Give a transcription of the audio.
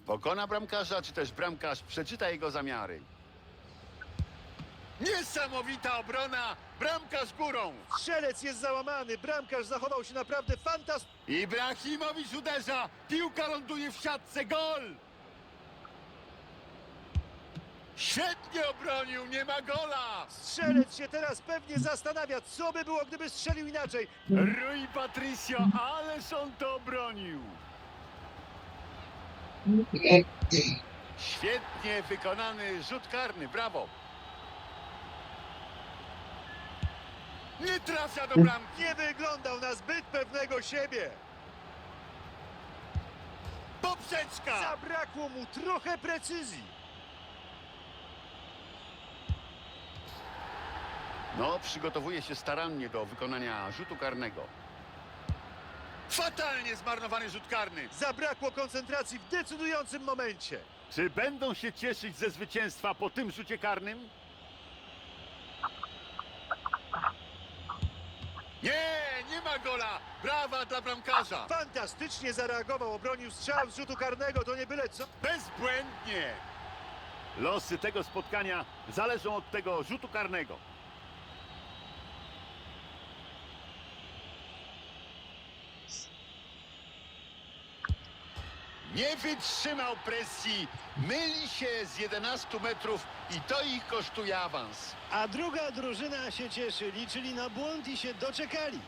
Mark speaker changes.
Speaker 1: Pokona bramkarza, czy też bramkarz przeczyta jego zamiary? Niesamowita obrona! Bramkarz górą!
Speaker 2: Strzelec jest załamany, bramkarz zachował się naprawdę fantastycznie.
Speaker 1: Ibrahimowicz uderza! Piłka ląduje w siatce, gol! Świetnie obronił, nie ma gola!
Speaker 2: Strzelec się teraz pewnie zastanawia, co by było, gdyby strzelił inaczej.
Speaker 1: Rui Patricio, ależ on to obronił! Świetnie wykonany rzut karny, brawo! Nie trafia do bramki!
Speaker 2: Nie wyglądał na zbyt pewnego siebie.
Speaker 1: Poprzeczka!
Speaker 2: Zabrakło mu trochę precyzji.
Speaker 1: No, przygotowuje się starannie do wykonania rzutu karnego. Fatalnie zmarnowany rzut karny!
Speaker 2: Zabrakło koncentracji w decydującym momencie.
Speaker 1: Czy będą się cieszyć ze zwycięstwa po tym rzucie karnym? Nie, nie ma gola! Brawa dla bramkarza!
Speaker 2: Fantastycznie zareagował, obronił strzał z rzutu karnego, to nie byle co.
Speaker 1: Bezbłędnie! Losy tego spotkania zależą od tego rzutu karnego. Nie wytrzymał presji, myli się z 11 metrów i to ich kosztuje awans.
Speaker 2: A druga drużyna się cieszy, liczyli na błąd i się doczekali.